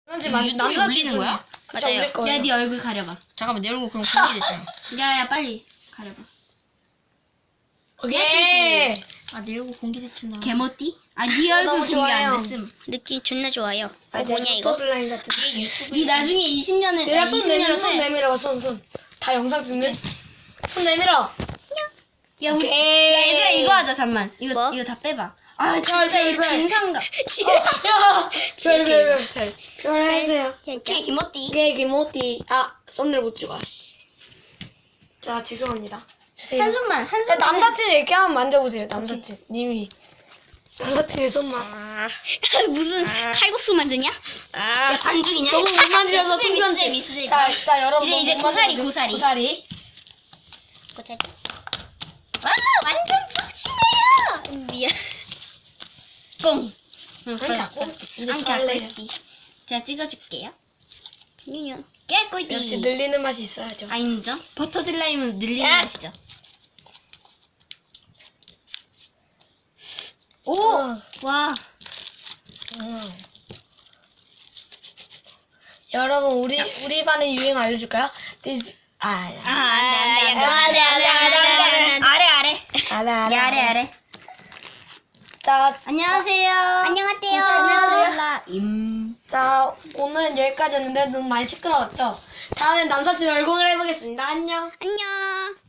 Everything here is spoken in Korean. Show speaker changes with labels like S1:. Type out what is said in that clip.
S1: 그런지
S2: 유튜브에 올리는 거야?
S3: 맞아요.
S1: 야,
S3: 네 얼굴 가려봐.
S2: 잠깐만 내 얼굴 그럼 공개됐잖아.
S3: 야야 빨리 가려봐.
S1: 오케이.
S2: 아 내 얼굴 공개됐잖아.
S3: 개머띠? 네 얼굴
S1: 너무
S3: 공개
S1: 좋아요.
S3: 안 됐음.
S4: 느낌 존나 좋아요.
S1: 아,
S4: 뭐냐 이거?
S1: 슬라임 같은.
S2: 얘 유튜브에
S3: 이 나중에 20년에
S1: 얘가 손 내밀어,
S3: 20년
S1: 손
S3: 후에
S1: 내밀어, 손. 다 영상 찍는. 손 내밀어.
S3: 야, 우리,
S1: 오케이.
S3: 야 얘들아 이거 하자 잠만. 이거
S4: 뭐?
S3: 이거 다 빼봐. 아 진짜 이거
S1: 별.
S3: 진상감.
S1: 야, 별. 별 해주세요.
S3: 오케이 김어띠.
S1: 오케이, 김호띠. 아, 썸네일 못 찍어, 씨. 자, 죄송합니다. 주세요.
S3: 한 손만 한
S1: 야,
S3: 손만.
S1: 남사친 이렇게 한번 만져보세요, 남사친. 님이. 남사친의 손만.
S4: 무슨 칼국수 만드냐?
S1: 아,
S3: 야 반죽이냐?
S1: 너무 못 만지셔서
S3: 미스제.
S1: 자, 여러분.
S3: 이제
S1: 너무 못
S3: 고사리,
S1: 만져주세요.
S3: 고사리.
S1: 고사리.
S4: 고작
S3: 와 완전 푹신해요.
S4: 미안.
S3: 뽕. 응,
S1: 아니, 자꾸. 이제
S3: 안
S1: 잘래.
S3: 꿀띠. 제가 찍어줄게요.
S4: 뉴뉴.
S3: 깨꿀띠.
S1: 역시 늘리는 맛이 있어야죠.
S3: 아 인정. 버터 슬라임은 늘리는
S1: 야!
S3: 맛이죠. 오! 와.
S1: 여러분, 우리 반의 유행 알려줄까요?
S3: 안돼. 아래.
S1: 아래. 자,
S4: 안녕하세요.
S1: 자, 오늘 여기까지였는데 너무 많이 시끄러웠죠? 다음엔 남사친 얼공을 해보겠습니다. 안녕.
S4: 안녕.